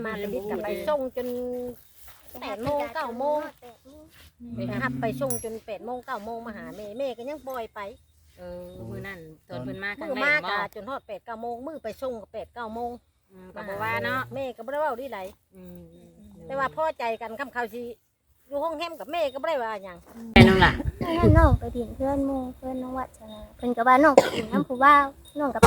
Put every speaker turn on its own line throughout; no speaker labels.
มาเลยกลับไปส่งจน8 โมง 9 โมงไปหับไปส่งจน8 โมง 9 โมงมาหาแม่ก็ยังปล่อยไป
มื้อนั้นตอนเพิ่นมาครั้
มื้
ง
อ
แร
มาก กะจนฮอด8 9 โมงมื้อไปส่งก็8 9 โมง
ก็บ่ว่าเนาะ
แม่ก็บ่ได้เว้าดีไหลแต่ว่าพอใจกันคำเขาสิอยู่ห้องแฮมกับแม่ก็บ่ได้ว่าหยัง
ไปน้องล่ะ
นั่นน้องไปดินเพื่อนหมู่เพื่อนน้องวัดชนะเพิ่นก็ว่าน้องไปดินน้ำผู้บ่าวน้องกับ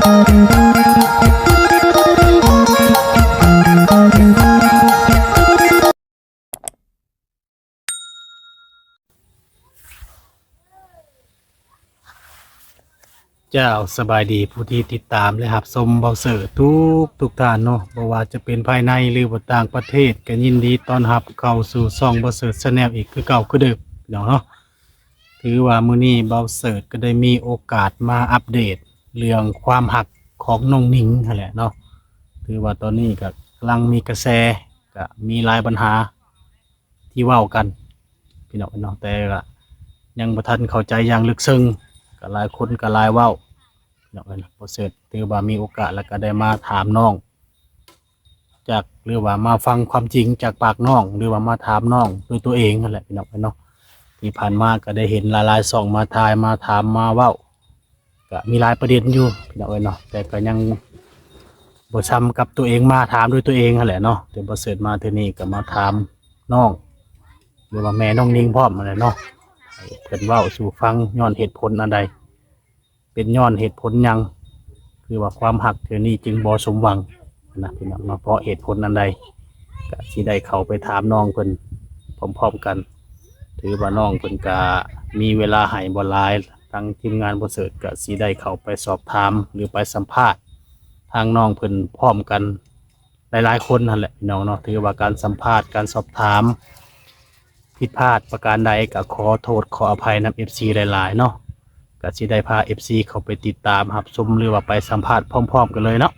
เจ้าสบายดีผู้ที่ติดตามและรับชมเบาเสิร์ทุกท่านเนาะบ่ว่าจะเป็นภายในหรือว่าต่างประเทศก็ยินดีต้อนรับเข้าสู่ช่องเบาเสิร์ชแนลอีกคือเก่าคือเดิมเนาะถือว่ามื้อนี้เบาเสิร์ชก็ได้มีโอกาสมาอัปเดตเรื่องความหักของน้องหนิงนั่นแหละเนาะถือว่าตอนนี้ก็กำลังมีกระแสก็มีหลายปัญหาที่เว้ากันพี่น้องเนาะแต่ก็ยังบ่ทันเข้าใจอย่างลึกซึ้งก็หลายคนก็หลายเว้าเนาะโปรเซสถือว่ามีโอกาสแล้วก็ได้มาถามน้องจากหรือว่ามาฟังความจริงจากปากน้องหรือว่ามาถามน้องด้วยตัวเองนั่นแหละพี่น้องเนาะที่ผ่านมาก็ได้เห็นหลายๆช่องมาทายมาถามมาเว้าก็มีหลายประเด็นอยู่พี่น้องเนาะแต่ก็ยังบ่ซ้ำกับตัวเองมาถามด้วยตัวเองนั่นแหละเนาะแต่บ่เสร็จมาเทื่อนี้ก็มาถามน้องหรือว่าแม่น้องนิ่งพร้อมนั่นแหละเนาะให้เพิ่นเว้าสู่ฟังย้อนเหตุผลอันใดเป็นย้อนเหตุผลหยังคือว่าความหักเทื่อนี้จึงบ่สมหวังนะพี่น้องเนาะเพราะเหตุผลอันใดก็สิได้เข้าไปถามน้องเพิ่นพร้อมๆกันถือว่าน้องเพิ่นก็มีเวลาให้บ่หลายทางทีมงานบ่เสิร์ชก็สิได้เข้าไปสอบถามหรือไปสัมภาษณ์ทางน้องเพิ่นพร้อมกันหลายๆคนนั่นแหละพี่น้องเนาะถือว่าการสัมภาษณ์การสอบถามผิดพลาดประการใดก็ขอโทษขออภัยนำ FC หลายๆเนาะก็สิได้พา FC เข้าไปติดตามรับชมหรือว่าไปสัมภาษณ์พร้อมๆกันเลยเนาะ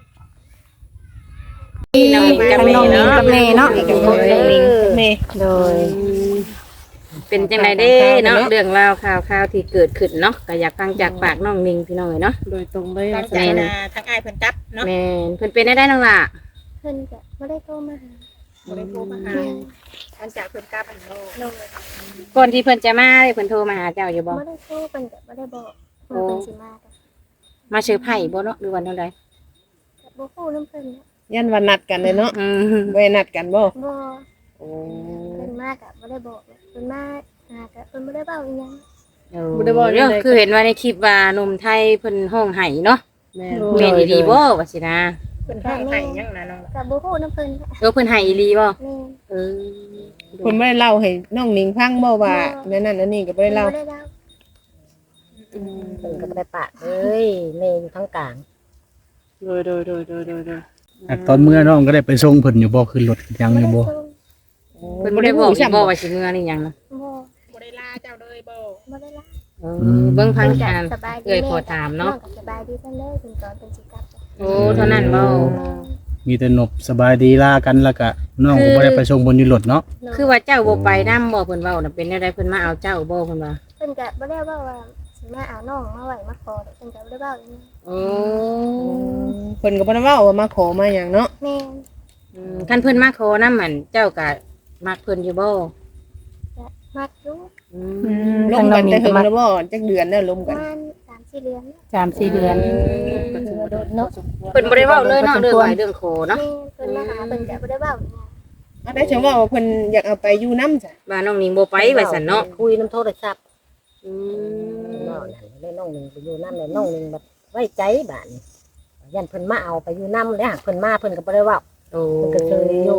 น้องกับแม่เนาะ
กับแม่เนาะ
แม่
โดย
เป็นจังไดเด้เนาะเรื่องราวข่าวที่เกิดขึ้นเนาะก็อยากฟังจากปากน้องนิงพี่น้องเนาะ
โดยตรงเลย
หลังจากทางอ้ายเพิ่นกลับเนาะ
แม่นเพิ่นเป็นได้น้องล่ะ
เพิ่นก็บ่ได้โทรมาหา
บ่ได้โทรมาหาหลังจากเพิ่นกลับอันโล
น้อง
ก่อนที่เพิ่นจะมาเพิ่นโทรมาหาเจ้าอยู่บ่
บ่ได้โทรเพิ่นก็บ่ได้บอกเพิ่นเป็นสิมาก็
มาเชิญไผ่บ่เนาะหรือวันเท่าใด
บ่ฮู้นำเพิ่นนะ
ยันวันนัดกันเลยเนาะ
อืม
ไว้นัดกันบ่
บ่
โอ้
เพิ่นมาก็บ่ได้บอกเพิ่นมาหาก็เพิ่นบ่ได้เว้าอีหยัง
บ่ได้บอก
เรื่องคือเห็นว่าในคลิปว่าหนุ่มไทยเพิ่นห้องไห้เนาะ
แม่
แม่นอีหลีบ่ว่าสินะ
เพิ่นห้องให้ยังนะน้อง
ก็บ่ฮู้นำเพิ่นนะ
เพิ่นไห้อีหลีบ่
แม่
เออ
คนไม่ได้เล่าให้น้องหนิงฟังบ่ว่าแม่นั่นอันนี้ก็บ่ได้เล่า
บ่ได้เล่า
เพิ่นก็บ่ได้ปากเอ้ยแม่อยู่ทางกลาง
โดย
ตอนเมื่อน้องก็ได้ไปส่งเพิ่นอยู่บ่ขึ้นรถยังอยู่บ่
เพิ่นบ่ได้บอกอีกบ่ว่าสิเมื่อนี่หยังนะ
บ่
บ่ได้ลาเจ้าเลยบ่
บ่ได้เล่า
เบิ่งพังทาง
สบายดี
เอ้ยขอถามเนาะ
องก็สบายดีซั่นเลยเพิ่นตอนเพิ่นสิกลับ
โอ้เท่านั้นบ่
มีแต่นบสบายดีลากันแล้วก็น้องก็บ่ได้ไปส่งบนอยู่รถเนาะ
คือว่าเจ้าบ่ไปนำบ่เพิ่นเว้าน่ะเป็นแนวใดเพิ่นมาเอาเจ้าบ่เพิ่นว่า
เพิ่นก็บ่ได้เว้าว่าสิมาเอาน้องมาไว้มาขอเพิ่นก็บ่ได้เว้าอีหยัง
โอ้
เพิ่นก็บ่ได้เว้าว่ามาขอมาหยังเนาะ
แม่น
คันเพิ่นมาขอนำมันเจ้าก็มักเพิ่นอยู่บ่
ก็มักอยู่
ลงกันแต่ถึงแล้วบ่จักเดือนแล้วลม
ป
กั
ระ
น
มาณ3-4 เดือน
3-4 เดือน
เนาะ
เพิ่นบ่ได้เว้าเลยเนาะเรื่องไหวเรื่องโคเนาะ
แม่นเพิ่นมาหาเพิ่นก็บ่ได้เว้าอีหยัง
อันได้ฉันว่าเพิ่นอยากเอาไปอยู่นำจ้ะ
ว่าน้องนิงบ่ไปว่าซั่นเนาะ
คุยน้ำโทรศัพท์
อื
น้อง
ม
นั่นเลยน้องหนึงไปอยู่นำเลยน้องหนึงแบบไว้ใจบาดนี้ยันเพิ่นมาเอาไปอยู่นำแล้วหากเพิ่นมาเพิ่นก็บ่ได้เว้า
โอ้
เพิ่นก็เคยอยู่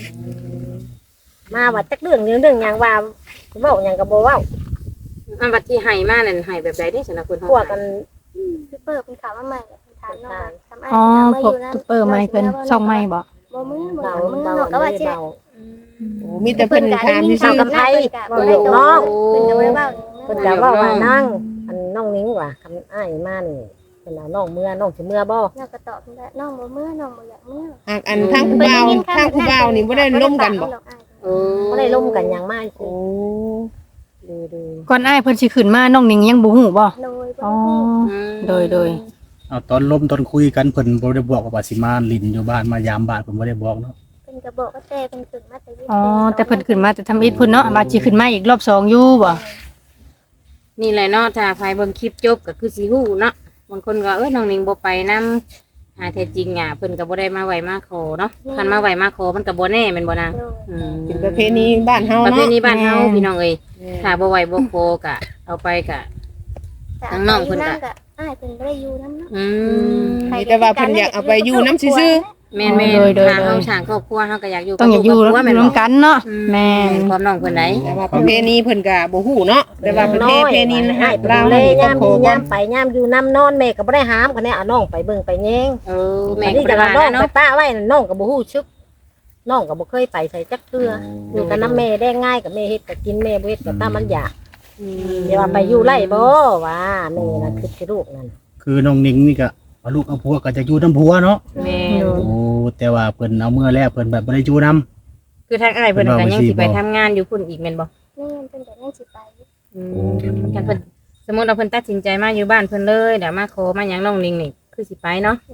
มาว่าจักเรื่องหยังว่าเว้าหยังก็บ่เว้า
อันบัดที่ให้มานั่นให้แบบใดเด้ซั่นน่ะเพิ่น
พวกกัน
คือเปิดเพิ่นข่าวมาใหม่เพิ่นถามน้องว่าทำอ้าย
อ๋อ
มา
พวก
นั่น
ซุปเปอร์ไม้เพิ่นช่องไม้บ่
บ่มือบ่
เบา
มือ
เบา
น้องก็ว่าสิ
เบา
โอ้มีแต่เพิ่นถามซื่
เบา
อ
กับไผ
บ่ได้โตเพิ่นก็บ่ได้เว้า
เพิ่นก็เว้าว่านั่งอันน้องนิ้งว่าคำอ้ายมานี่เพิ่นเอาน้องเมื่อน้องสิเมื่อบ่
น้องก็ตอบเพิ่นว่าน้องบ่มือน้องบ่อยากมือ
ๆหากอันทางผู้บ่าวทางผู้บ่าวนี่บ่ได้ล่มกันบ่
โอ้
บ่ได้ล่มกันหยังมาก
โอ้
ดู
ก่อนอ้ายเพิ่นสิขึ้นมาน้องหนิงยังบ่ฮู้บ่
โดย
อ๋อ
ๆ
โดย
เอาตอนล้มตอนคุยกันเพิ่นบ่ได้บอกว่าสิมาลิ้นอยู่บ้านมายามบ้านเพิ่นบ่ได้บอกเนาะ
เพิ่นก็บอกว่าแต่เพิ่นขึ้นมาแต่วิทย์
อ๋อแต่เพิ่นขึ้นมาแต่ทำอิฐพุ่นเนาะบาดสิขึ้นมาอีกรอบ2อยู่บ่
นี่แหละเนาะถ้าใครเบิ่งคลิปจบก็คือสิฮู้เนาะบางคนก็น้องนิงบ่ไปนำแท้จริงอ่ะเพิ่นก็บ่ได้มาไหวมาขอเนาะคันมาไหวมาขอมันก็บ่แน่แม่นบ่นาง
โดย
อืม
เป็นประเพณีบ้านเฮา
ประ
เนาะ
เพณีบ้านเฮาพี่น้องเอ้ยถ้าบ่ไหวบ่ขอก็เอาไปก็
แต่
ทั้งน้องเพิ่นก็
ก็อ้ายเพิ่นบ่ได้อยู่นำเนาะ
อืม
แต่ว่าเพิ่นอยากเอาไปอยู่น้ำซื่อ
แม่นถ้าเฮาสร้างครอบครัวเฮาก็อยากอยู่
ต้องอย่าอยู่
ครบครัวแม่น
ร่ว
บ่
มกันเนาะแม่น
ความน้องเพิ่นได้
ๆแต่ว่าประเพณีเพิ่นก็บ่ฮู้เนาะแต่ว่าประเพณี
ให้
ให้
ไป
ลาว
เลย
นี่ก็
ย่าม
ข
มี
อบ่
ย่ามไปย่ามอยู่น้ำนอนแม่ก็บ่ได้ห้ามกันแน่เอาน้องไปเบิ่งไปแยง
เออแม่
อัน
ก็
นี้
บ่
จะ
ได้
ว่า
ว่า
น้องไป
เนาะ
ป้าไว้น่ะน้องก็บ่ฮู้ชึกน้องก็บ่เคยไปใส่จักเทื่ออยู่กับน้ำแม่ได้ง่ายกับแม่เฮ็ดก็กินแม่บ่เฮ็ดก็ตามมันอยากเดี๋ยวว่าไปอยู่ไร่บ่ว่าแม่น่ะคือสิลูกนั่น
คือน้องนิงนี่ก็เอาลูกเอาผัวก็จะอยู่นำผัวเนาะ
แม่น
โอ้แต่ว่าเพิ่นเอาเมื่อแล้วเพิ่นแบบบ่ได้อยู่นำ
คือทางอ้ายเพิ่นก็ยังสิไปทำงานอยู่พุ่นอีกแม่นบ่
นี่เพิ่นก็ยังสิไป
กันเพิ่นสมมุติว่าเพิ่นตัดสินใจมาอยู่บ้านเพิ่นเลยเดี๋ยวมาขอมาหยังน้องนิงนี่คือสิไปเนาะ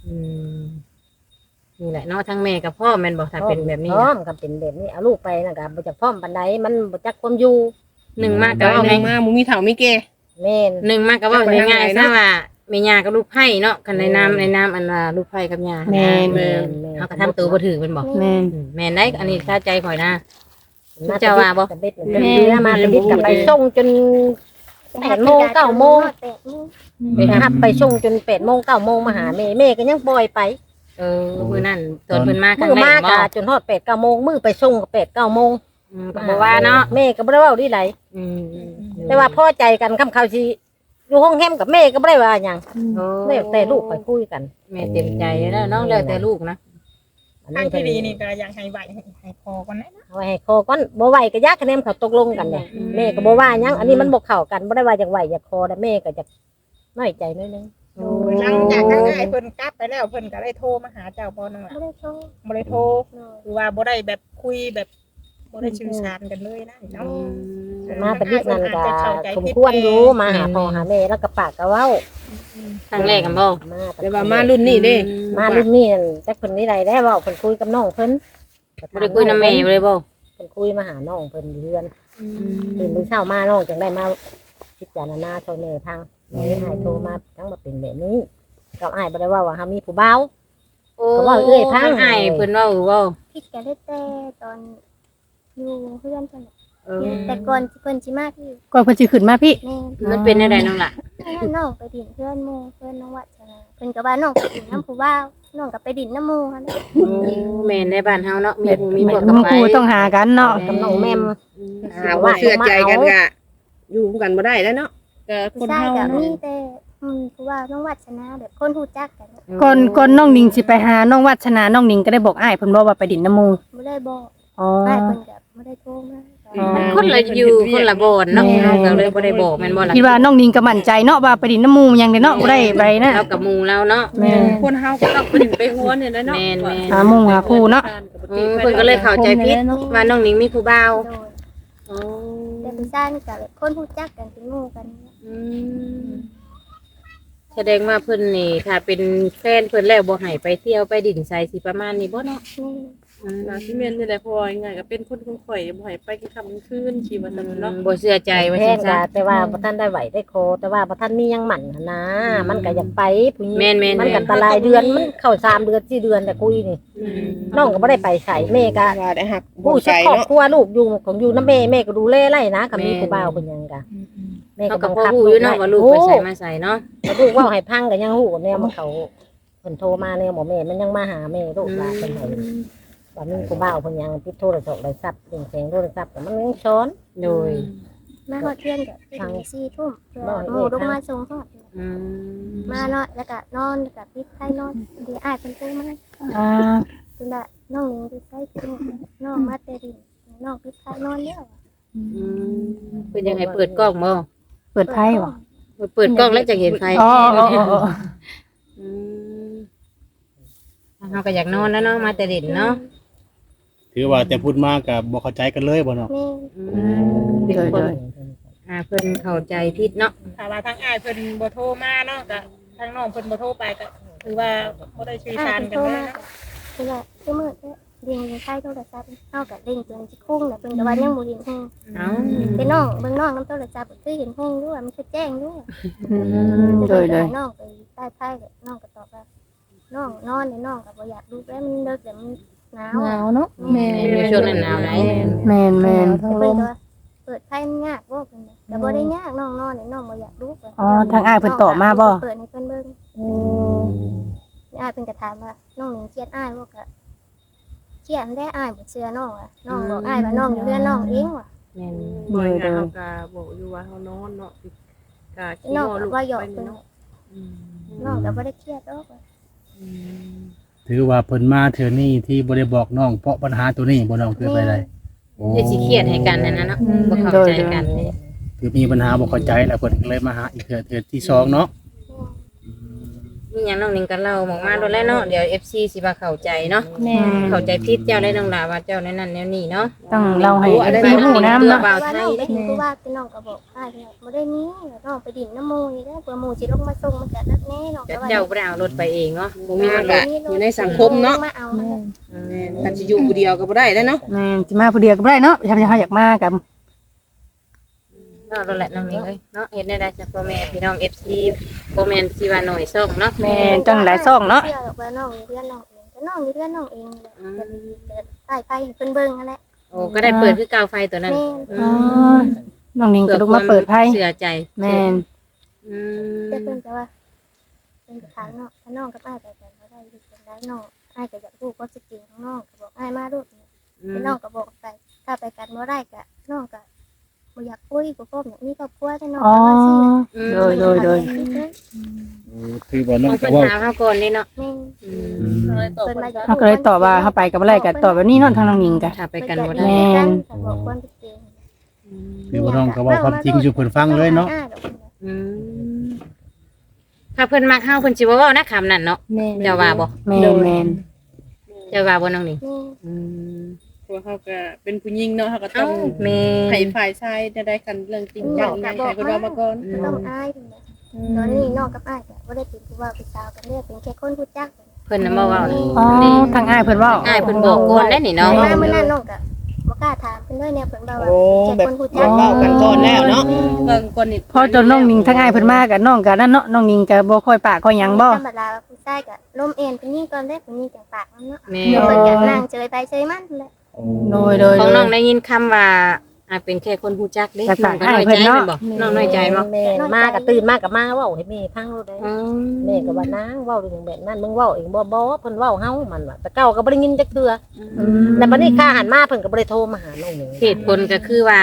นี่แหละเนาะทั้งแม่กับพ่อแม่นบ่ถ้าเป็นแบบนี้
พร้อมกับเป็นแบบนี้เอาลูกไปน่ะก็บ่จักพร้อมปานใดมันบ่จักความอยู่
หนึ่งมาก
แต่
ก็
ว่า
เอา
หนึ่
ไง
งมาบ่มีเฒ่ามีแก่
แม่น
หนึ่งมากก็ว่า
จะไปทาง
ง่าย
ไหน
ๆซะ
เนาะ
ว่าแม่ย่ากับลูกไผ่เนาะกันในน้ำอันว่าลูกไผ่กับย่า
แม่น
แม่น
เฮาก็ทำตัวบ่ถือแม่นบ่
แม่น
แม่นได้อันนี้ถ้าใจข่อยนะ
มา
เจ้าว่าบ่
ตะเบ็ดเรือมาตะเบ็ดกับไปส่งจน 8 โมง 9 โมง
8 โมง
ไปรับไปส่งจน8 โมง 9 โมงมาหาแม่แม่ก็ยังปล่อยไป
เออมื้อนั้นตอนเพิ่นมาครั้
มื้
ง
อ
แร
มาก
บ่
กะจนฮอด8 9 โมงมื้อไปส่งก็8 9 โมง
ก็บ่ว่าเนาะ
แม่ก็บ่ได้เว้าดีไหล
อืม
แต่ว่าพอใจกันคำเขาสิอยู่ห้องแฮมกับแม่ก็บ่ได้ว่าหยัง
โอ้
แม่แต่ลูกไปคุยกัน
แม่เต็มใจแล้วเนาะแล้วแต่ลูกนะ
อัน
ทาง
นี้
ที่ดีนี่ก็อยากให้ไหวให้พอก่อนนะ
เอาไว้ให้คอก่อนบ่ไหวก็ยากคะแนนเขาตกลงกันเด้แม่ก็บ่ว่าหยังอันนี้มันบ่เข้ากันบ่ได้ว่าอยากไหวอยากคอแต่แม่ก็จะน้อยใจนิดนึง
หลังจากนั้นไอ้เพิ่นกลับไปแล้วเพิ่นก็ได้โทรมาหาเจ้าบ่นั่นล่ะ
บ่ได้โทร
บ่ได้โทร
โดย
คือว่าบ่ได้แบบคุยแบบบ่ได้สื่อสารกันเลยนะเนาะ
มาแต่บิดนั่นก็สมควรอยู่มาหาพ่อหาแม่แล้วก็ปากก็เว้า
ครั้งแรกกันบ่
มา
แต่ว่ามารุ่นนี้เด้
มารุ่นนี้นั่นจักเพิ่นนี่ใดได้เว้าเพิ่นคุยกับน้องเพิ่น
บ่ได้คุยนำแม่เลยบ่
เพิ่นคุยมาหาน้องเพิ่นอยู่เรือนตื่นมื้อเช้ามาน้องจังได้มาพิจารณาช่วยแม่ทางเลยให้โทรมาทั้งมาเป็นแบบนี้กับอ้ายบ่ได้ว่าเฮามีผู้บ่าว
โอ้
ก็ว่าเอ้ยพัง
ให้เพิ่นเว้าเว้า
คิดกันได้แต่ตอนอยู่เพื่อนเพิ่นน่ะ
เออ
แต่ก่อนเพิ่นสิมาที่
ก่อนเพิ่นสิขึ้นมาพี่
แม่
มันเป็นอะไรน้องล่ะ
น้องไปดินเพื่อนหมู่เพื่อนน้องวัชนาเพิ่นก็ว่าน้องไปดินน้ำผู้บ่าวน้องก็ไปดินน้ำหมู่หั่นน่ะ
แม่นในบ้านเฮาเนาะมีผู้มีพวก
หมู่คู่ต้องหากันเนาะ
กับน้องแม่ม
หาว่าเชื่อใจกันก็อยู่กันบ่ได้แล้วเนาะก็ค
ผู้
น
ชาย
เฮา
ก็
เนาะ
มีแต่ผู้บ่าวน้องวัชนาแบบคนรู้จักกัน
ก่อนน้องนิงสิไปหาน้องวัฒนาน้องนิงก็ได้บอกอ้ายเพิ่นบอกว่าไปดินน้ำหมู
บ่ได้บอก
อ๋อ
อ้ายเพิ่นก็บ่ได้โทรมา
มันคนละอยู่คนละบ่อนเนาะเฮาก็เลยบ่ได้บอกแม่นบ่ล่ะ
คิดว่าน้องนิงก็มั่นใจเนาะว่าไปดินน้ำหมูหยังได้เนาะบ่ได้ไปนะ
เฮากับหมู่เราเนาะ
แม่น
คนเฮาก็ต้องไปดึงไปหัวเนี่ยแหละเนาะ
แม่น
หาหมู่หาคู่เนาะ
เพิ่นก็เลยเข้าใจผิดว่าน้องนิงมีผู้บ่าว
โดย
อ๋อ
แต่ผู้ชายนี่ก็แบบคนรู้จักกันเป็นหมู่กันเนี่ย
แสดงว่าเพิ่นนี่ถ้าเป็นแฟนเพิ่นแล้วบ่ให้ไปเที่ยวไปดินไสสิประมาณนี้บ่เนาะ
นี่
นาที่เมนนี่แหละพอยังไงก็เป็นคนข่อยบ่ให้ไปกินค่ำกลางคืนขี่ว่าซั่นเนาะ
บ่เชื่อใจว่า
แพ
ซั่
ง
น
ก็
ซะ
แต่ว่าบ่ทันได้ไหวได้โคแต่ว่าบ่ทันมีหยังหมั่นหั้นนะมันก็อยากไปผู้หญิง
แม่นๆ
มันก็ตะลายเดือนมันเข้า3 เดือน4 เดือนแต่คุยนี่น้องก็บ่ได้ไปใส่แม่ก็
ว่าได้หักบ่
ผู้
ใจ
ชักครอบ
เนาะ
ครัวลูกอยู่ของอยู่น้ำแม่ก็ดูแลไล่นะกับมีผู้บ่าวเป็นหยังกะแม่
เขา
ก็
ก็
บัง
พ่อ
คับ
ฮู้อยู่เนาะว่าลูกไปใส่มาใส่เนาะ
แล้วลูกว่าให้พังก็ยังฮู้แนวมันเขาเพิ่นโทรมาแนวหมอแม่มันยังมาหาแม่ลูกหลานเพิ่นให้ว่ามีผู้บ่าวเพิ่นยังติดโทรศัพท์ได้ทรัพย์เรื่องแสงโทรศัพท์แต่มันยังช้อน
โดย
มาฮอดเที่ยงก็ไปถึง4 ทุ่มเพื่อ
บ่ให้
หมู่
เอ่ย
ลงมาส่งฮอด
อืม
มาเนาะแล้วก็นอนแล้วก็ปิดไฟนอนเดี๋ยวอ้ายเพิ่นโทรมา
อ่า
เพิ่นว่าน้องหนิงอยู่ไสเพิ่นน้องมาแต่ดินน้องปิดไฟนอนแล้ว
เพิ่นยังให้เปิดกล้องบ่
เปิดไพ่บ่
เปิดกล้องแล้วจะเห็นใคร
อ๋ออ๋ออ๋อ
เฮาก็อยากนอนแล้วเนาะมาแต่ดินเนาะ
ถือว่าแต่พูดมากก็บ่เข้าใจกันเลยบ่เนาะ
แม่
เป็นคนเพิ่นเข้าใจผิดเนาะ
ถ้าว่าทางอ้ายเพิ่นบ่โทรมาเนาะก็ทางน้องเพิ่นบ่โทรไปก็คือว่าบ่ได้สื่อ
อ้า
สาย ร
เพิ่น
กั
โท
น
ร
เลย
มา
เนาะ
เพิ่นว่าคือมื้อเด้งใช้โทรศัพท์เฮาก็เด้งจนสิคุ้งแล้วเพิ่นก็ว่ายังบ่เห็นฮู้
เอ้า
แต่น้องเบิ่งน้องนำโทรศัพท์ก็คือเห็นฮู้ด้วยมันคือแจ้งด้วย
โดย
น้องไปใต้ไผ่ก็น้องก็ตอบว่าน้องนอนในน้องก็บ่อยากลุกแล้วมันเลิกแต่มันหนาว
หนาวเนาะแม่
ในช่วงนั้นหนาวได้
แม่นแม่น
เพิ่นก็เปิดไผ่มันยากบ่เพิ่นก็บ่ได้ยากน้องนอนในน้องบ่อยากลุก
อ๋อทางอ้ายเพิ่นตอบมาบ่
เปิดให้เพิ่นเบิ่งอ้ายเพิ่นก็ถามว่าน้องหนิงเครียดอ้ายบ่ก็เครียดได้อ้ายบ่เชื่อน้องอ่ะน้องบอกอ้ายว่าน้องอยู่เรือนน้องเองว่ะ
แม่น
บ่อยงานเฮาก็บอกอยู่ว่าเฮานอนเนาะก็ขี้
น้อง
งอ
ก็
ลูก
ว่าหยอก
ไป
เพิ่น
เนาะ
น้องก็บ่ได้เครียดดอก
ถือว่าเพิ่นมาเทื่อนี้ที่บ่ได้บอกน้องเพราะปัญหาตัวนี้บ่น้องคือไปได้โอ้
จะสิเครียดให้กันนั่นน่ะเนาะบ่เข้าใจกันนี่
คือมีปัญหาบ่เข้าใจแล้วเพิ่นก็เลยมาหาอีกเทื่อที่สองเนาะ
มีหยังน้องหนิงก็เล่าออกมาโดนแล้วเนาะเดี๋ยว FC สิบ่เข้าใจเนาะ
แม่น
เข้าใจผิดเจ้าได้น้องดาว่าเจ้าในนั้นแนวนี้เนาะ
ต้องเล่าให้พี่ฮู้นำเนาะ
ว่าน้องไปดินผู้ว่าพี่น้องก็บอกอ้ายบ่ได้มีน้องไปดินน้ำหมู่นี่เด้อเผื่อหมู่สิลงมาส่งมันก็นักแน่น้องก็ว่า
เจ้าบ่ได้เอารถไปเองเนาะบ่มี
มี
ร
มัน
ถ
ก็อยู่ในสังคมเนาะ
มาเอามา
แม่นกันสิอยู่ผู้เดียวก็บ่ได้แล้วเนาะ
แม่นสิมาผู้เดียวก็บ่ได้เนาะถ้าเฮาอยากมากับ
เนาะนั่นแหละน้องหนิงเอ้ยเนาะเฮ็ดได้ได้จากพ่อแม่พี่น้อง FC บ่แม่นสิว่าน้อยส่งเนาะ
แม่นจังหลายซ่องเนาะ
เชื่อหรอกว่าน้องอยู่เพื่อนน้องเองแต่น้องอยู่เพื่อนน้องเองแหละจะมีเปิดใต้ไฟให้เพิ่นเบิ่งนั่นแหละ
โอ้ก็ได้เปิดคือเกาวไฟตัวนั้น
แม่
อ๋อน้องนิงก็ลุกมาเปิดไพ่
เสือใจ
แม่น
อืม
แต่เพิ่นก็ว่าเพิ่นก็ถามน้องถ้าน้องกับอ้ายไปกันบ่ได้อยู่กันได้น้องอ้ายก็อยากรู้ความจริงของน้องก็บอกอ้ายมาลูกแต่น้องก็บอกไปถ้าไปกันบ่ได้ก็น้องก็บ่อยากคุยบ่พร้อมอยากมีครอบครัวแต่น้อง
อ๋อ
ก็ว่าสิ
โดยโดยโดย
คือว่าน้อง
ต้อง
ก็
เป็น
เว้า
ถามเขาก่อนนี่เนาะ
แม่
อืม
เลยตอบ
เพิ่น
ไป
มา
จ้ะ
เขาก็เลยตอบว่าเขาไปกับอะไรก็ตอบแบบนี้เนาะทางน้องนิงก็
ถ้าไปกันบ่
เพิ่
ได้
อยา
แม่
กันก็บอกความจริง
คือว่าน้องก็เว้าความจริงอยู่เพิ่นฟังเลยเนาะ
อืมถ้าเพิ่นมักเฮาเพิ่นสิบ่เว้านะคำนั้นเนาะ
แม่น
เจ้าว่าบ่
แม่นแม่น
เจ้าว่าบ่น้องนี่
นี่
อืม
เพราะว่าเขาก็เป็นผู้หญิงเนาะเขาก็ต้
เอ้า
อง
แม่
ให้ฝ่ายชายได้กันเรื่องจริงจังอีหยังให้เพิ่นเว้ามาก่อน
ต้องอายตอนนี้น้องกับอ้ายก็บ่ได้เป็นผู้ว่าผู้สาวกันเด้อเป็นแค่คนรู้จัก
เพิ่นน่ะบ่เว้านะ
อ๋อทางอ้ายเพิ่นเว้า
อ้ายเพิ่นบอกก่อนได้นี่เนาะ
มาเมื่อนั้นน้องก็บ่กล้าถามเพิ่นเลยเนี่ยเพิ่นว่า
โอ้
แค่
แบบ
คนรู้
อ
จั
ยาก กเว้ากันก่อนแล้วเนาะเบิ่งก่อนนี่
พอจนน้องนิงทางอ้ายเพิ่นมากับน้องก็นั่นเนาะน้องนิงก็บ่ค่อยปากค่อยหยังบ่
ธรรมดาผู้ชายก็ล้มเอ็นเพิ่นนี่ก่อนเด้อเพิ่นนี่จังปากมันเนาะ
แม่
เดี๋ยวเพิ่นอยากนั่งเฉยไปเฉยมันแหละ
โดยโดย
ของ
โด
น้อย งได้ยินคำว่าเป็นแค่คนฮู้จักเด้
แต่
น้องก็น้อยใจ
ให้เพิ่นเนาะ
แม่นบ่น้องน้อยใจบ่
แม่มาก็ตื่นมาก็มาเว้าให้แม่ฟังโลดได้
อืม
แม่ก็ว่านางเว้าเรื่องแบบนั้นมึงเว้าเองบ่เพิ่นเว้าเฮามันว่าแต่เก่าก็บ่ได้ยินจักเทื่อแต่บัดนี้ข้าหันมาเพิ่นก็บ่ได้โทรมาหาน้องหนู
เหตุผลก็คือว่า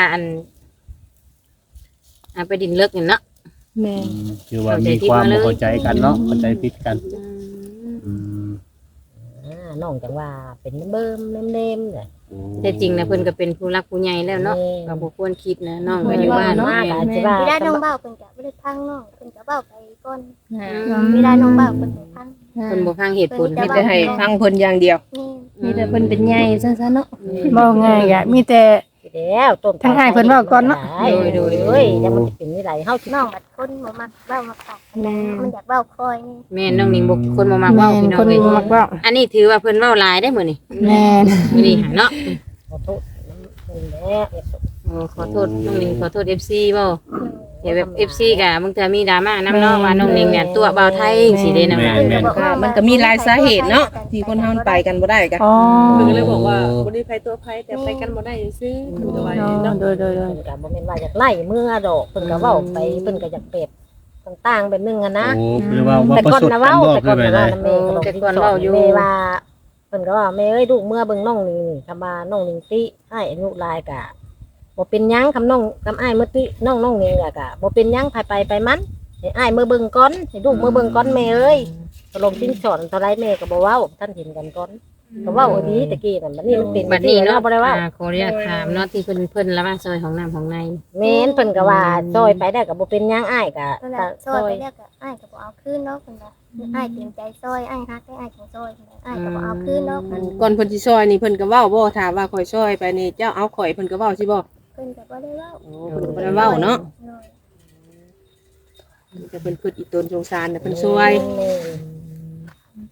ไปดินเลิกนี่เนาะ
แม่น
คือว่ามีความบ่เข้าใจกันเนาะเข้าใจผิดกันอืม
น้องจังว่าเป็นเบิ่มเล่มๆเนี่ย
แต่จริงนะเพิ่นก็เป็นผู้รักผู้ใหญ่แล้วเนาะก็บ่ควรคิดนะน้องก็อยู่บ้าน
มา
เนาะ
ก็สิว่า
เวลาน้องเบ้าเพิ่นก็บ่ได้พังน้องเพิ่นก็เบ้าไปก่อนเวลาน้องเบ้าเพิ่นก็พัง
เพิ่นบ่ฟังเหตุผล
เพิ่
มี
น
แต่ให้ฟังเพิ่นอย่างเดียว
นี่
มีแต่เพิ่นเป็นใหญ่ซะเนาะ
บ่ง่ายก็มีแต่
แล้วต้น
ทางอ้ายเพิ่นเว้าก่อนเนาะ
โดยเอ้ยยังมันสิเป็นนี่ไดเฮาสิ
น้องบัดคนบ่มักเบ้ามาปากมันอยากเบ้าคอยนี่
แม่นน้องนิ่งบ่คนบ่มักเว้า
แม่น
พี่น้อ
ค
ง
น
เอ้ย
มักเว้า
อันนี้ถือว่าเพิ่นเว้าหลายได้มื้อนี้
แม่น
มื้อนี้หาเนาะ
ขอโทษนั่นแหละ
โอ้ขอโทษน้องนิ่งขอโทษ FC บ่เดี๋ยวแบบ FC ก็บางเทื่อมีดราม่านำเนาะว่าน้องนิ่งเนี่ยตัวเบาไทยสิได้นำ
มันก็มีหลายสาเหตุเนาะที่คนเฮาไปกันบ่ได้กัน
อ๋อ
เพิ่นก็เลยบอกว่าบ่ได้ไผตัวไผแต่ไปกันบ่ได้ซื่อเพิ่นก็ว่าอย่างนี้เนาะ
โดยโดยโดย
เพิ่นก็บ่แม่นว่าอยากไล่เมื่อดอกเพิ่นก็เว้าไปเพิ่นก็อยากเปรียบต่างๆแบบนึงอะนะ
โอ้คือว่าว่า
แต่
ประ
ก่อน
สบ
นะ
กัน
เว้า
บ่
แต่
คื
ก่อ
อน ไป
นะ
ได้
ว่าแม่ก็บอกแม่ว่าเพิ่นก็ว่าแม่เอ้ยลูกเมื่อเบิ่งน้องนี่คำว่าน้องนี่ติอ้ายอายุหลายกะบ่เป็นหยังคำน้องคำอ้ายเมื่อติน้องนี่กะบ่เป็นหยังไปมันให้อ้ายเมื่อเบิ่งก่อนให้ลูกเมื่อเบิ่งก่อนแม่เอ้ยตกลงสิ้นสอนเท่าไรแม่ก็บ่เว้าท่านเห็นกันก่อนก็เว้าอันนี้ตะกี้นั่นบัดนี้มันเป็น
บัดนี้เนาะ
บ่ได้เว้า
ขออนุญาตถามเนาะที่เพิ่นละมาซอยของน้ำของใน
แม่นเพิ่นก็ว่าซอยไปได้ก็บ่เป็นหยังอ้ายก็
นั่นแหละซอยไปแล้วก็อ้ายก็บ่เอาคืนเนาะเพิ่นว่าอ้ายเต็มใจซอยอ้ายฮักได้อ้ายถึงซอยอ้ายก็บ่เอาคืนเนาะ
ก่อนเพิ่นสิซอยนี่เพิ่นก็เว้าบ่ถามว่าข่อยซอยไปนี่เจ้าเอาข่อยเพิ่นก็เว้าสิบ่
เพิ่นก็บ่ได้เว้า
โอ้เพิ่นก็บ่ได้เว้าเนาะ
เนาะ
แต่เพิ่นคิดอีตนสงสารแต่เพิ่นซวย
แม่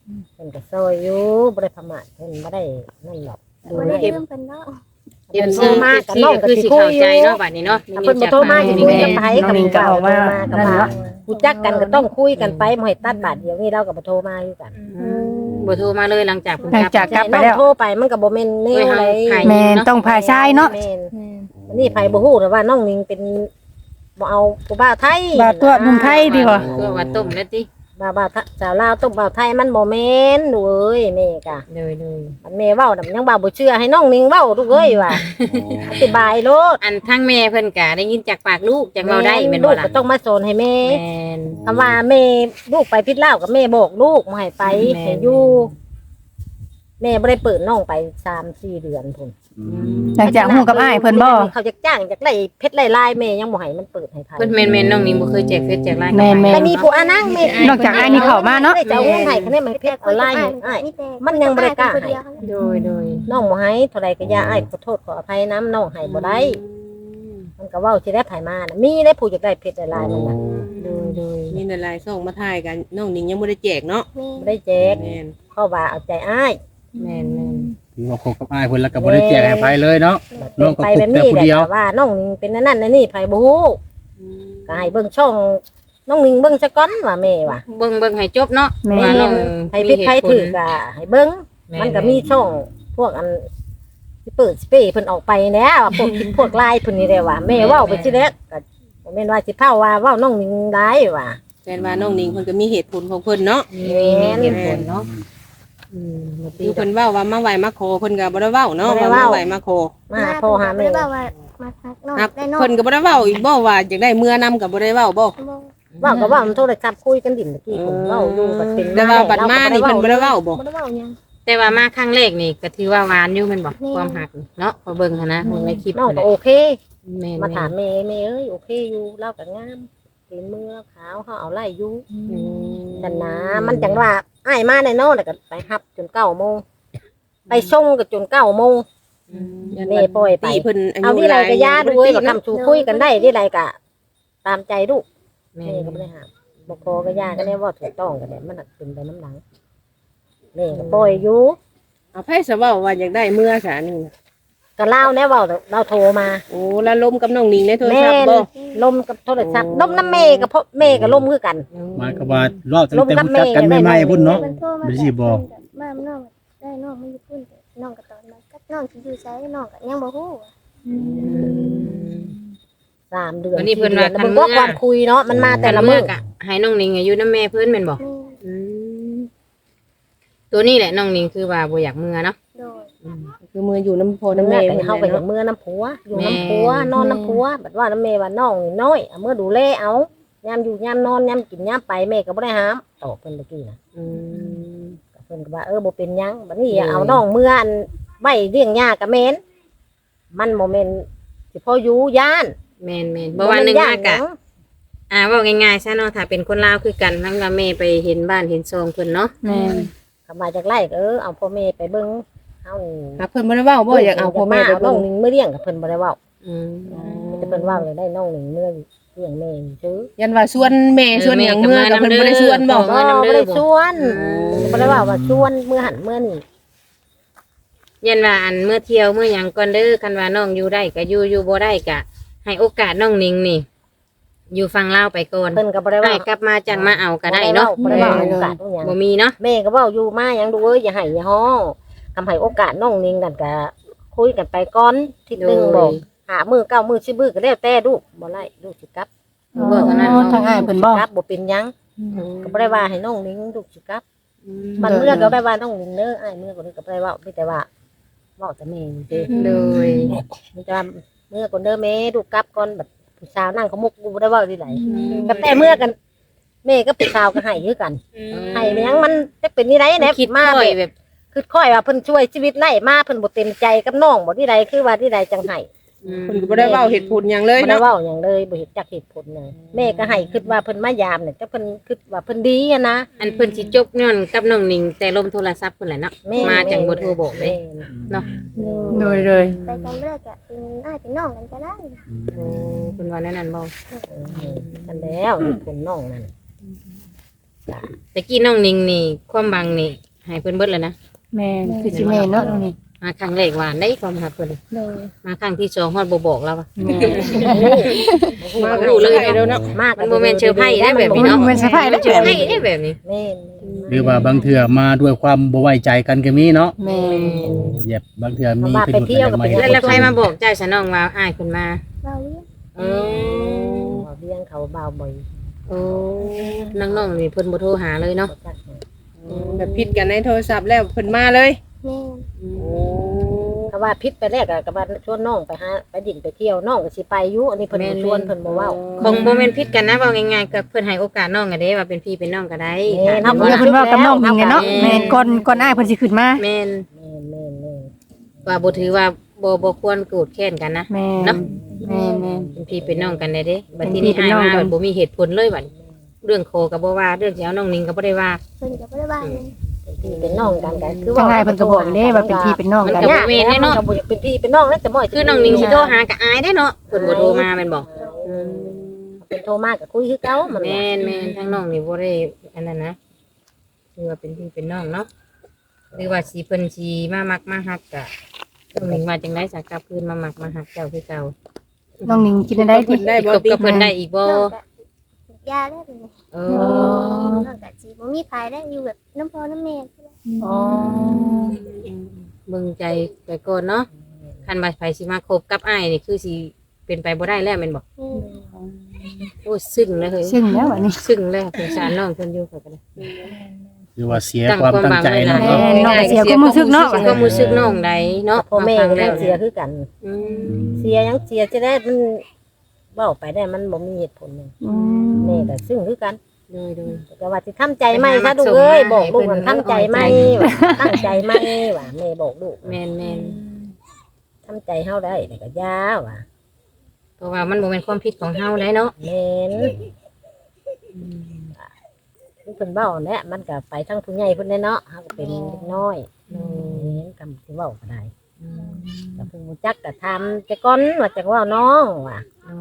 พิ่นก็ซอยอยู่บ่ได้ประมาทเพิ่นบ่ได้นั่นหรอกดู
บ่
แล
ได้
เอฟ
ลืมเพิ่นเนาะ
เอฟซีมากที่ก็คือสิเข้าใจเนาะบัดนี้เนาะ
ถ้าเพิ่นบ่โทรมาสิคุยกับไผ
น้องนิงก็ออกมา
กับ
นั่น
มา
เนาะ
รู้จักกันก็ต้องคุยกันไปบ่ให้ตัดบาดเดียวนี่เราก็บ่โทรมาอยู่กัน
บ่โทรมาเลยหลังจากเพิ่น
หลังจากกลับไปแล้ว
น้องโทรไปมันก็บ่แม่นแนวเลย
แม่นต้องพาชายเนาะ
แม่นวันนี้ไผบ่ฮู้แต่ว่าน้องนิงเป็นบ่เอาผู้บ่าวไทย
บ่าวตัวหนุ่มไทยดีกว่า
ตัวว่าต้มแล้วติ
บ่าวสาวลาวต้องบ่าวไทยมันบ่แม่นดูเอ้ยแม่กะ
เลย
มันแม่เว้าน่ะมันยังบ่าวบ่เชื่อให้น้องนิงเว้าลูกเอ้ยว่าอธิบายโลด
อันทั้งแม่เพิ่นก็ได้ยินจากปากลูกจากเราได้แม่น
ลู
บ่
ก
ล่ะ
ก็ต้องมาสอนให้แม่
แม่น
คำว่าแม่ลูกไปพิษลาวกับแม่บอกลูกบ่ให้ไป
แม่
ให้อยู่แม่บ่ได้เปิดน้องไป 3-4 เดือนพุ่น
หลังจากฮู้กับอ้ายเพิ่นบ่
เขาจะจ้างจากไล่เพชรไล่ลายแม่ยังบ่ให้มันเปิดให้ไผ
เพิ่นแม่นๆน้องนิ่งบ่เคยแจกเฟซแจกไลน์
แม่น
แต่มีผู้อานั่งแม่
นอกจากอ้ายนี่เข้ามาเนาะ
ได้จะเอาเงินให้คะแนนมันเพชรออนไลน์ให้อ้าย มันยังบ่ได้กล้าให้
โดย
น้องบ่ให้เท่าใดก็อย่าอ้ายขอโทษขออภัยน้ำน้องให้บ่ได้มันก็เว้าสิได้ไผมาน่ะมีได้ผู้อยากได้เพชรไล่ลายมันน่ะ
โดย
มีหลายๆส่งมาถ่ายกันน้องนิงยังบ่ได้แจกเนาะ
บ่ได้แจก
แม่น
เพราะว่าเอาใจอ้าย
แม่น
ถือว่าคบกับอ้ายเพิ่นแล้วก็บ่ได้แจกให้ไผเลยเนาะ น้องก็
ไป
คบ
แบบ
แต่
นี้
ผู้
แหละ
เดียว
แต่ว่าน้องนิงเป็นนั่นนั่นนี่ไผบ่ฮู้ก็ให้เบิ่งช่องน้องนิงเบิ่งซะก่อนว่าแม่ว่า
เบิ่งให้จบเนาะ
แม่
ว่าน้อง
ให้ผิดใครถูกก็ให้เบิ่งมันก็มีช่องพวกอันที่เปิดสเปรย์เพิ่นออกไปแหน่ว่าพวกพวกลายเพิ่นนี่แหละว่าแม่เว้าไปสิแล้วก็บ่แม่นว่าสิเผาว่าเว้าน้องนิงร้ายว่า
แม่นว่าน้องนิงเพิ่นก็มีเหตุผลของเพิ่นเนาะ
มีเหตุผลเนาะบ่ตี
คือเพิ่นเว้าว่ามาไหวมาขอเพิ่นก็บ่ได้เว้าเนาะว่ามาไหวมาขอ
มาหาพ่อหาแม่
บ่ได้ว่ามาทักน้อง
ครับ
ได้น้อง
เพิ่นก็บ่ได้เว้าอีกบ่ว่าอยากได้เมื่อนำก็บ่ได้เว้าบ่
เว้าก็เว้ามันโทรศัพท์คุยกันดิ่นเมื่อกี้ผมเว้าอยู่บัดเป็น
แต่ว่าบัดมานี่เพิ่นบ่ได้เว้าบ่
บ่ได้เว้าหยัง
แต่ว่ามาครั้งแรกนี่ก็ถือว่าหวานอยู่แม่นบ่ความหักเนาะพอเบิ่งหันนะเบิ่งในคลิป
น้อง
นั่นแห
ก็
ละ
โอเค
แม่น
มาถามแม่เอ้ยโอเคอยู่เล่ากับงามเป็นมือขาวเขาเอาไล่อยู่ดันนะมันจังว่าอ้ายมาในโน่นแล้วก็ไปฮับจน9 โมงไปส่งก็จน9 โมง แม่ปล่อยไป
ตีเพิ่นอา
เอา
ยุ
ที่ไรก็ย่าด้วย
บ่
ก็
ได้
ทำชูคุยกันได้ที่ไรก็ตามใจลูก
แม่
แม่ก็ไม่ได้ห้ามบอกพอก็ย่าก็ได้ว่าถูกต้องกันแหละมันน่ะเป็นไปน้ำหลังแม่ก็ปล่อยอยู่
เอาไผสิเว้าว่าอยากได้เมื่อซะนี่
ก็เล่าแน่ว่าเราโทรมา
โอ้แล้วล้มกับน้องนิงในโทร
แม่
ศัพท์บ่
ลมกับโทรศัพท์ลมน้ำแม่กับพ่อแม่กับลมคือกัน
หมายก็ว่ารอบตั้งแต่รู้จักกันใหม่ๆพุ่นเนาะ
มันโทรมา
บ่สิบอก
มาน้องได้น้องมันอยู่พุ่นแต่น้องก็ตอนมากับน้องสิอยู่ไสน้องก็ยังบ่ฮู้
3 เดือน
วันนี้เพิ่นว่า
4 ดือนแล้วมันก็ความคุยเนาะมันมาแต่ละมื้อ
ก็ให้น้องนิงอายุนำแม่เพิ่นแม่นบ่
แม่
ตัวนี้แหละน้องนิงคือว่าบ่อยากเมื่อเนาะ
โดย
คือมืออยู่น้ำพ่อ
น้ำ
น้ำ
แม่
แม่
ไป
เพิ่น
เฮาไป
แหละ
กับ
เนาะ
เมื่อน้ำผัวอยู่น้ำผัวนอนน้ำผัวบัดว่าน้ำแม่ว่าน้องนี่น้อยเอามื่อดูแลเอายามอยู่ยามนอนยามกินยามไปแม่ก็บ่ได้ห้ามตอบเพิ่นเมื่อกี้น่ะ เพิ่นก็ว่าบ่เป็นหยังบัดนี้อย่าเอาน้องเมื่ออันไว้เลี้ยงยากับแม่นมันบ่แม่นสิพออยู่ย่าน
แม่นบ่ว่าหนึงมากะเว้าง่ายๆซะเนาะถ้าเป็นคนลาวคือกันทั้งว่าแม่ไปเห็นบ้านเห็นซองเพิ่นเนาะ
แม่น
ก็มาจากไร่ก็เอาพ่อแม่ไปเบิ่งเฮา
ครับเพิ่นบ่ได้เว้าบ่อยากเอาพ่อแม่ไป
น้
เบิ่
อง
ง
หนึงเมื่อเลี้ยงกับเพิ่นบ่ได้เว้า
อืม
แต่เพิ่นเว้าเลยได้น้องหนึงเมื่อเลี้ยงแม่ซื้อ
ยันว่าชวนแม่ชวนหยังเมื่อกับเพิ่นบ่ได้ชวนบ่
บ่ได้ชวนบ่ได้ว่าชวนเมื่อหันเมื่อนี่
ยันว่าอันเมื่อเที่ยวเมื่อหยังก่อนเด้อคันว่าน้องอยู่ได้ก็อยู่บ่ได้ก็ให้โอกาสน้องนิงนี่ อยู่ฟังลาวไปก่อน
เพิ่นก็บ่ได้
ได้
ว่าก
ลับมาจังมาเอาก็ได้เนาะ
บ่ได้ว่าโอกาสหยัง
บ่มีเนาะ
แม่ก็เว้าอยู่มาหยังดูเอ้ยอย่าให้อย่าฮ้องทำให้โอกาสน้องนิงนั่นก็คุยกันไปก่อนทีนึงบอกหามื้อ9 มื้อ10 มื้อก็แล้วแต่ลูกบ่ไล่ลูกสิกลับ
บ่เท่านั้น
ทางอ้ายเพิ่นบ่
กลับบ่เป็นหยังก็บ่ได้ว่าให้น้องนิงลูกสิกลับมันเมื่อก็ได้ว่าน้องนิงเด้ออ้ายเมื่อก็ได้ก็บ่ได้เว้ามีแต่ว่าเว้าแต่แม่นี่เด้
โดย
มีแต่ว่าเมื่อก่อนเด้อแม่ลูกกลับก่อนแบบผู้สาวนั่งขมุกกูบ่ได้เว้าที่ไหนก็แต่เมื่อกันแม่ก็ผู้สาวก็ให้คือกันให้แม่งมันจะเป็นนี่ไดแหน่
คิด
มา
ค่อย
แบบ
แบบ
คือค่อยว่าเพิ่นช่วยชีวิตไล่มาเพิ่นบ่เต็มใจกับน้องบ่ที่ใดคือว่าที่ใดจังให้
เพิ่นก็บ่ได้เว้าเหตุผลหยังเลย
บ่ได้
เนาะ
เว้าหยังเลยบ่เห็นจักเหตุผลเลยแม่ก็ให้คิดว่าเพิ่นมายามเนี่ยจักเพิ่นคิดว่าเพิ่นดีอะนะ
อันเพิ่นสิจบย้อนกับน้องนิงแต่ลมโทรศัพท์เพิ่นแหละเนาะ
แม่
มาจังบ่โทรบอกเลย
แม่
เนาะ
โดย
ไปกันเลิกก็เป็นอ้ายเป็นน้องกันก็ได้
เพิ่นว่าแนวนั้นบ่
กันแล้วเหตุผลน้องนั่น
แต่กี้น้องนิงนี่ความบังนี่ให้เพิ่นเบิดแล้วนะ
แม่นคือสิแม่นเนาะน้องนิง
มาครั้งแรกหวานได้ความหักเพิ่น
โดย
มาครั้งที่2ฮอดบ่บอกแล้วว่า
แม่
มารู้เลยเนาะ
มาก
มันบ่แม่นเชอร์ไพรส์ได้แบบนี้
มัน
เนาะ
บ่แม่นสะพายแล้ว
เชอร์ไพรส์ได้แบบนี้
แม่น
หรือว่าบางเทื่อมาด้วยความบ่ไว้ใจกันก็มีเนาะ
แม่น
เหยียบบางเทื่อมี
มาไปเที่ยวกับ
มา
เป็น
แล้วใครมาบอกเจ้าซะน้องว่าอ้ายเพิ่นมา
เบาเวียง
เออ
เลี้ยงเขาเบาบ่อย
โอ้น้องๆนี่เพิ่นบ่โทรหาเลยเนาะ
แบบผิดกันในโทรศัพท์แล้วเพิ่นมาเลย
แม่
ก็ว่าพิษไปแรกก็ว่าชวนน้องไปหาไปดิ่นไปเที่ยวน้องก็สิไปอยู่อันนี้เพิ่นบ่ชวนเพิ่นบ่เว้า
บ่แม่นผิดกันนะเว้าง่ายๆก็เพิ่นให้โอกาสน้องก็ได้ว่าเป็นพี่เป็นน้องก็ได้
แม่น
เดี๋ยวเพิ่นเว้ากับน้องนิงไงเนาะแม่นก่อนอ้ายเพิ่นสิขึ้นมา
แม่น
แม่น
ว่าบ่ถือว่าบ่ควรโกรธแค้นกันนะ
แม่
เนาะ
แม่นแม่น
เป็นพี่เป็นน้องกันได้เด้บัด
เป็น
ที
พี่
นี้
เป็น
อ้าย
น้อง
มา
กัน
บ่มีเหตุผลเลยบัดเรื่องโคก็บ่ว่าเรื่องสิเอาน้องนิงก็บ่ได้ว่า
เพิ่นก็บ่ได้ว่าหยัง
พี่เป็นน้องกันก็คือ
จังไงเพิ่นก็บอกเด้ว่าเป็นพี่เป็นน้องกัน
ก็บ่แม่นเนาะก็บ่อยากเป็นพี่เป็นน้องแล้วแต่บ่อย
คือน้องนิงสิโทรหาก็อายได้เนาะเพิ่นบ่โทรมาแม่นบ่
เป็นโทรมาก็คุยคือเก่ามัน
แม่นทั้งน้องนี่บ่ได้อันนั้นนะคือว่าเป็นพี่เป็นน้องเนาะหรือว่าสิเพิ่นสิมามักมาฮักก็น้องนิงว่าจังได๋สักกลับคืนมามักมาฮักเจ้าคือเก่า
น้องนิงคิดได้ติ
ได้บ่
คบกับเพิ่นได้อีกบ่
น้องก็ยาได้เป็น
เอ
น้องก็สิบ่มีภายได้อยู่แบบน้ำพ่อน้ำแม่
อ๋อ
เบิ่งใจไปก่อนเนาะคันว่าไผสิมาคบกับอ้ายนี่คือสิเป็นไปบ่ได้แล้วแม่นบ่โอ้ซึ้งเลยเฮ้ย
ซึ่งแล้วอันนี้
ซึ้งเลยสงสารน้องเพิ่นอยู่ก็ได้
หรือว่าเสียความตั้งใจเนาะ
แม่น้องก็เสียความรู้สึกเนาะ
เสียความรู้สึกน้องใดเนาะ
พ่อแม่
ฟัง
ก็
แล้ว
เสียคือกัน
อืม
เสียยังเสียจะได้มันเว้าไปได้มันบ่มีเหตุผลนึง
อืม
แม่ก็ซึ่งคือกัน
โดย
ก็ว่าสิทำใจไหมซะลูกเอ้ยบอกลูกว่าทำใจไหมว่าตั้งใจไหมว่าแม่บอกลูก
แม่น
ทำใจเฮาได้แต่ก็ยาว่ะ
เพราะว่ามันบ่แม่นความผิดของเฮาได้เนาะ
แม่นเพิ่นเว้าแหละมันก็ไปทั้งผู้ใหญ่เพิ่นได้เนาะเฮาก็เป็นเด็กน้อยแม่นกำสิเว้าก็ได้ก็เพิ่นรู้จักก็ถามแต่ก่อนว่าจักเว้าน้องว่ะ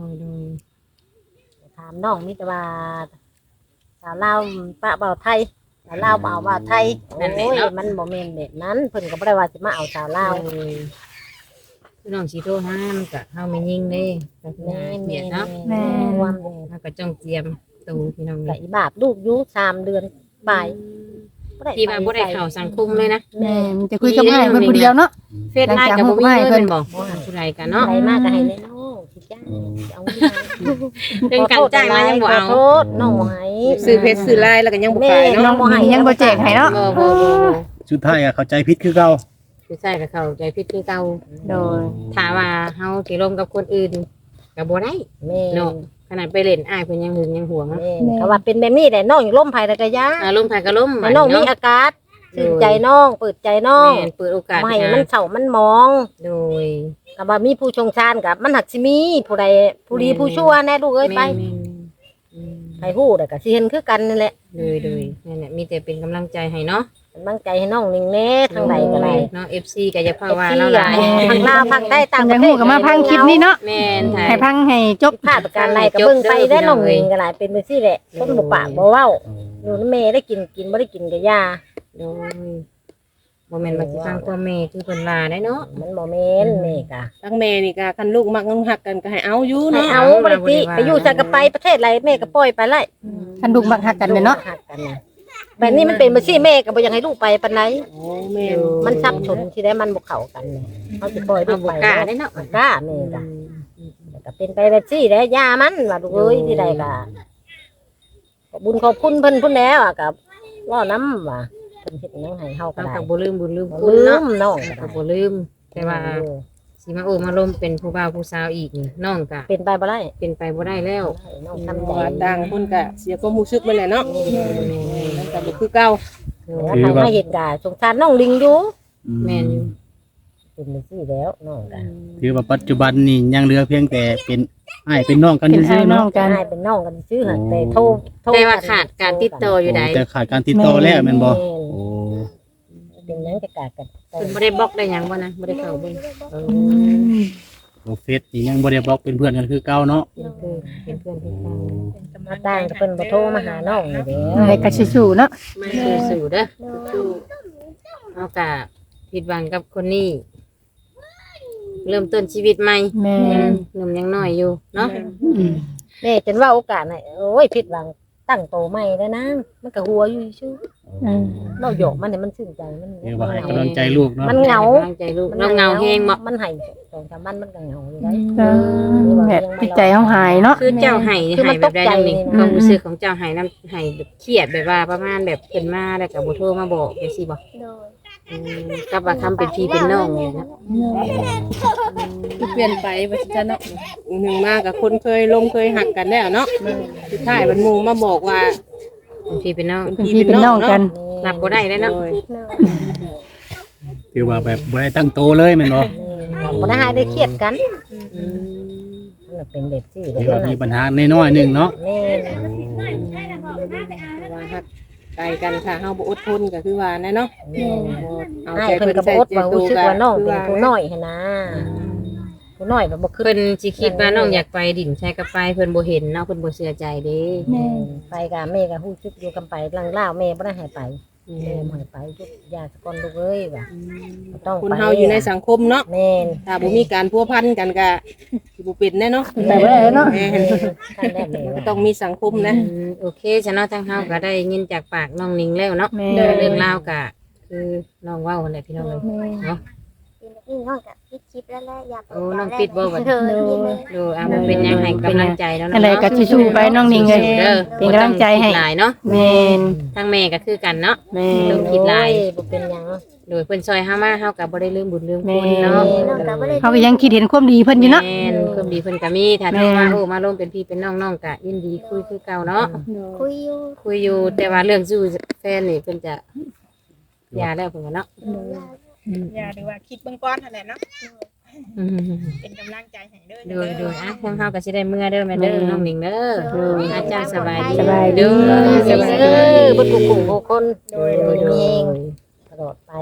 ถามน้องมีแต่ว่าสาวลาวปะเบาไทยสาวลาวเบาไทยโอ้ยมันบ่แม่นแบบนั้นเพิ่นก็บ่ได้ว่าสิมาเอาสาวลาว
คือน้องสิโทรหามันก็เฮาไม่ยิงเด้ก็คือเสียเนาะ
แม่
ความ
เฮาก็จ้องเตรียมตูพี่น้อง
ก็
นี่
อีบาปลูกอยู่3 เดือนปลาย
ที่ว่าบ่ได้เข้าสังคมเลยนะ
แม่จะคุยกับอ้ายเพิ่นผู้เดียวเนาะ
เฟซไลน์ก็บ่มีเลยเพิ่นบอกผู้ใดกันเนาะ
ใครมาก็ให้แน่น้องสิจ้าเอาเงิน
เรื่องการจ้างมายังบ่เอา
ขอโทษน้องบ่ให้
ซื้อเพชรซื้อลายแล้วก็ยังบ่ขาย
น้อ
เนาะ
งบ่ให้
ยังบ่แจกให้เนาะ
บ่
สุดท้ายอะเข้าใจผิดคือเก่า
คือใช่กับเขาใจผิดคือเก่า
โดย
ถ้าว่าเฮาสิร่วมกับคนอื่นก็บ่ได้
แม่
เนาะขนาดไปเล่นอ้ายเพิ่นยังหึงยังหวง
แม่ก็ว่าเป็นแบบนี้แหละน้องอยู่ล่มไผแล้วก็ยา
อารมณ์ภายก็ล้ม
ให้น้องมีอากาศตื่นใจน้องเปิดใจน้อง
แม่นเปิดโอกาส
ไม่ให้มันเฉามันมอง
โดย
กับว่ามีผู้ชงชาญกับมันหักสิมีผู้ใดผู้ดีผู้ชั่วแน่ลูกเอ้ยไป
แม่นๆ
ไปฮู้แต่ก็สิเห็นคือกันนี่แหละ
โดยนั่นแหละมีแต่เป็นกำลังใจให้เนาะ
เป็นบังใจให้น้องนิ่งแน่ทางใดก็ได้
เนาะ FC ก็อย่าพาว่าเราหลาย
ทางลาวทางใต้ต่าง
อ
ป
ยา
ระ
ก
เท
ฮู้
ศ
ก็มาพังคลิปนี้เนาะ
แม่นถ่าย
ให้พังให้จบ
พลาดประการใดก็เบิ่งไปได้น้องนิ่งก็หลายเป็นไปซี่แหละคนบ่ปากบ่เว้าอยู่นำแม่ได้กินบ่ได้กินก็ยา
โดยบ่แม่นว่าสิฟังความแม่คือเพิ่นว่าได้เนาะ
มันบ่แม่นแม่ก็
ทั้งแม่นี่ก็คันลูกมักน้องหักกันก็ให้เอาอยู่
ให้
เนาะ
เอาบ่ได้ติไปอยู่ใส่ก็ไปประเทศไรแม่ก็ปล่อยไปไล่
คันลูกมักฮักกันเด้อเนาะ
หักกันน่ะแบบนี้มันเป็นบ่ซี่แม่ก็บ่อยากให้ลูกไปปานใด
โอ้แม่
มันซับชนที่ได้มันบ่เข้ากันเลยเขาสิปล่อยลู
เอา
ก
บ่
ไป
กล้าได้เนาะ
บ่กล้าแม่ก็ก็เป็นไปแบบซี่แหล้วยามันว่าลูกเอ้ยที่ใดก็ขอบบุญขอบคุณเพิ่นพุ่นแล้วอ่ะก็ว่าน้ำว่าเพิ่นเฮ็ดหยังให้เฮาก็
เรา
ได้
ก็บ่ลืมบุญลืม
บ่
คุณ
ลื
เนาะ
มน้อง
ก็บ่ลืม แต่ว่าสิมาโอ้มาลมเป็นผู้บ่าวผู้สาวอีกนี่น้องก็
เป็นไปบ่ได้
เป็นไปบ่ได้แล้ว
น้อง
เพ
ทำ
ราะ
ใจ
ว่าต่างคนก็เสียความรู้สึกไปแหละเนาะมันก็บ่คือเก่า
แล้วใครมาเห็นก็สงสารน้องลิงอยู่
แม่นอยู่
เป็นไปซี่แล้วน้องก็
ถือว่าปัจจุบันนี่ยังเหลือเพียงแต่เป็นอ้ายเป็นน้องกัน
เป็น
ซื่
อ้า
อยๆ
น้อ
เนาะ
งกัน
ให้เป็นน้องกันซื่อหั่นแต่โทร
แต่ว่าขาดการติดต่ออยู่ใด
แต่ขาดการติดต่อแล้วแม่นบ่โอ้
เป็นหยังจะกากัน
เพิ่นบ่ได้บล็อกได้หยังบ่นะบ่ได้เข้าเบิ่งเออ
โหเฟซนี่ยังบ่ได้บล็อกเป็นเพื่อนกันคือเก่าเนาะ
เป็นเพื่อนเป็นเพื่อนที่
มาต่างกับเพิ่นบ่โทรมาหาน้องนี่เด้อ
ให้ก็สู้ๆเนาะ
มาสู่ๆเด้อเอากะผิดหวังกับคนนี้ เริ่มต้นชีวิตใหม่
แม่
หนุ่มยังน้อยอยู่เนาะ
แม่จนว่าโอกาสน่ะโอ้ยผิดหวังตั้งโตใหม่แล้วนะมันก็หัวอยู่ซื่อเราหยอกมันเนี่ยมันชื่นใจมัน
เรียกว่าให้กำลังใจลูกเนาะ
มันเหงา
กำลังใจลูกเราเหงาแฮงบ่
มันให้2-3วันมันก็เหงาอยู่ได้
แบบจิตใจเฮาหายเนาะ
คือเจ้าให้
คือมัน
แบบใดนั่นนี่
ตกใจ
ความรู้สึกของเจ้าให้น้ำให้แบบเครียดแบบว่าประมาณแบบเพิ่นมาแล้วก็บ่โทรมาบอกจังซี่บ่
โดย
กับว่าคำเป็นพี่เป็นน้องนี่นะ
คือเปลี่ยนไปว่าสิจะเนาะหนึ่งมากับคนเคยลมเคยหักกันแล้วเนาะสุดท้ายมันหมู่มาบอกว่า
เป็นพี่เป็นน้อง
เป็นพี่เป็นน้องกัน
รับบ่ได้แล้วเนาะ
โดย
โดย
คือว่าแบบบ่ได้ตั้งโตเลยแม่นบ่
บ่ได้ให้ได้เครียดกันมันเป็นเด็กที่
คือว่ามีปัญหาน้อยๆหนึงเนาะ
แม่
แต่ว่าหักไกลกันค่ะเฮาบ่อดทนก็คือว่าแน่เนาะเอา
ให้
ใจ
เพิ่
เพิ่
น
น
ก็
ใส่
บ่อด
ใจ
ว่า
ตั
รู้
ว
สึก
ก็
ว่าน้อง
คือ
เป็น
ว่า
ผู้น้อยหั่นนะผู้น้อยแบบบ่ขึ้น
เพิ่นสิคิดว่าน้องอยากไปดินใช้กับไปเพิ่นบ่เห็นเนาะเพิ่นบ่เชื่อใจเด้
ไปกับแม่ก็ฮู้สึกอยู่กันไปหลังลาวแม่บ่ได้ให้ไปแม่บ่ให้ไปจุดยาสะก่อนลูกเอ้ยว่าต้อง
คน
ไป
เฮาอยู่ในสังคมเนาะ
แม่น
ถ้าบ่มีการพัวพันกันก็สิบ่เป็นแน่เนาะ
แต่บ่ได้เนาะ
แม่น
ท่านแรกแม่
ก็
ว่า
ต้องมีสังคมนะ
โอเคฉันเนาะทางเฮาก็ได้ยินจากปากน้องนิงแล้วเนาะ
แม่
เรื่องราวก็คือน้องเว้านั่นแหละพี่น้องเอ้ยเนาะ
เป็นแบบนี้น้องกับปิดคลิปแล้วแหละอยาก
โอ้น้องปิดบ่บัด
เออปิดเลย
ดูอ่ะมันเป็นยังให้กำลังใจแล้ว
อะไร
เนาะ
ก็สู้ๆไปน้องนิงเอ้ย
เด้อ
เป็นกำลังใจให้
บ่ต้องคิดหลายเนาะ
แม่น
ทางแม่ก็คือกันเนาะ
แม่
ต้
น
องคิดหลาย
โอ้บ่เป็นหยัง
โดยเพิ่นซอยเฮามาเฮาก็บ่ได้ลืมบุญลืมคุณ
แม่
เนาะ
น้องกับบ่ได้
เขาก็ยังคิดเห็นความดีเพิ่นอยู่เนาะ
แม่นความดีเพิ่นก็มีถ้า
แม่
โทรมาโอ้มาร่วมเป็นพี่เป็นน้องน้องก็ยินดีคุยคือเก่าเนาะ
คุยอยู่
คุยอยู่แต่ว่าเรื่องสู้แฟนนี่เพิ่นจะหย่าแล้วเพิ่นก็เนาะ
อย่าหรือว่าคิดเบื้องก้อนเท่านั้นเนาะ
อืม
เป็นกำลังใจให้เด้อ
โดยโดยอ่ะทางเฮาก็สิได้เมื่อเด้อแม่เด้อน้องหนิงเด้ออาจารย์สบายดี
สบายดี
เด้อ
สบายเด้อบ่ถูกกลุ่มผู้คน
โดยโดยโดย
ตลอดไป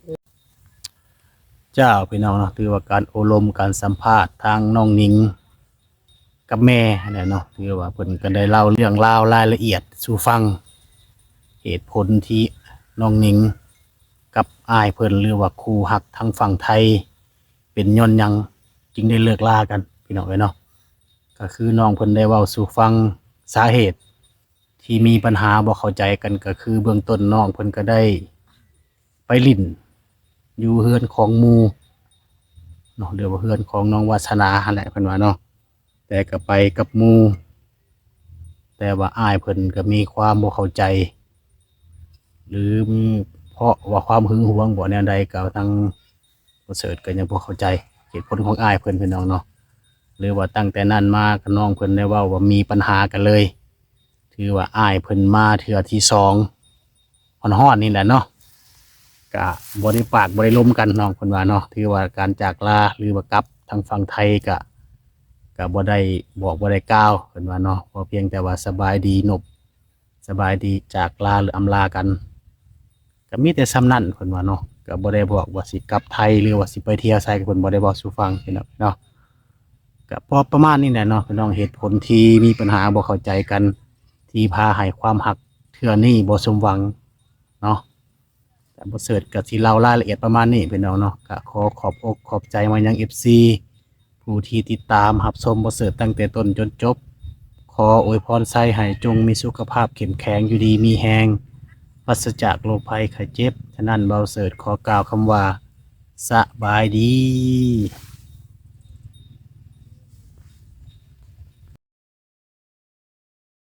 เจ้าพี่น้องเนาะถือว่าการอบรมการสัมภาษณ์ทางน้องนิงกับแม่เนี่ยเนาะถือว่าเพิ่นก็ได้เล่าเรื่องราวรายละเอียดสู่ฟัง เหตุผลที่น้องนิงกับอ้ายเพิ่นหรือว่าครูหักทางฝั่งไทย เป็นย้อนหยังจึงได้เลิกลากันพี่น้องเอ้ยเนาะก็คือน้องเพิ่นได้เว้าสู่ฟังสาเหตุ ที่มีปัญหาบ่เข้าใจกันก็คือเบื้องต้นน้องเพิ่นก็ได้ไปลิ้นอยู่เฮือนของหมู่เนาะเรียกว่าเฮือนของน้องวาสนาหั่นแหละเพิ่นว่าเนาะแต่ก็ไปกับหมู่แต่ว่าอ้ายเพิ่นก็มีความบ่เข้าใจ หรือมีเพราะว่าความหึงหวงบ่แนวใดก็ทางบ่เสิร์ชก็ยังบ่เข้าใจเหตุผลของอ้ายเพิ่นพี่น้องเนาะหรือว่าตั้งแต่นั้นมาก็น้องเพิ่นได้เว้าว่ามีปัญหากันเลยถือว่าอ้ายเพิ่นมาเทื่อที่สองฮ้อนๆนี่แหละเนาะก็บ่ได้ปากบ่ได้ล้มกันน้องเพิ่นว่าเนาะถือว่าการจากลาหรือว่ากลับทางฝั่งไทยก็บ่ได้บอกบ่ได้กล่าวเพิ่นว่าเนาะพอเพียงแต่ว่าสบายดีนบสบายดีจากลาหรืออำลากันก็มีแต่ซ้ำนั่นเพิ่นว่าเนาะก็บ่ได้บอกว่าสิกลับไทยหรือว่าสิไปเที่ยวไสก็เพิ่นบ่ได้บอกสู่ฟังพี่น้องเนาะก็พอประมาณนี้แหละเนาะพี่น้องเหตุผลที่มีปัญหาบ่เข้าใจกัน ที่พาให้ความหักเทื่อนี้บ่สมหวังเนาะแต่บ่เสิร์ชก็สิเล่ารายละเอียดประมาณนี้พี่น้องเนาะก็ขอขอบอกขอบใจมายัง FC ผู้ที่ติดตามรับชมบ่เสิร์ชตั้งแต่ต้นจนจบ ขออวยพรไส้ให้จงมีสุขภาพเข้มแข็งอยู่ดีมีแฮงปราศจากโรคภัยไข้เจ็บฉะนั้นเบาเสิร์ชขอกล่าวคำว่าสบายดี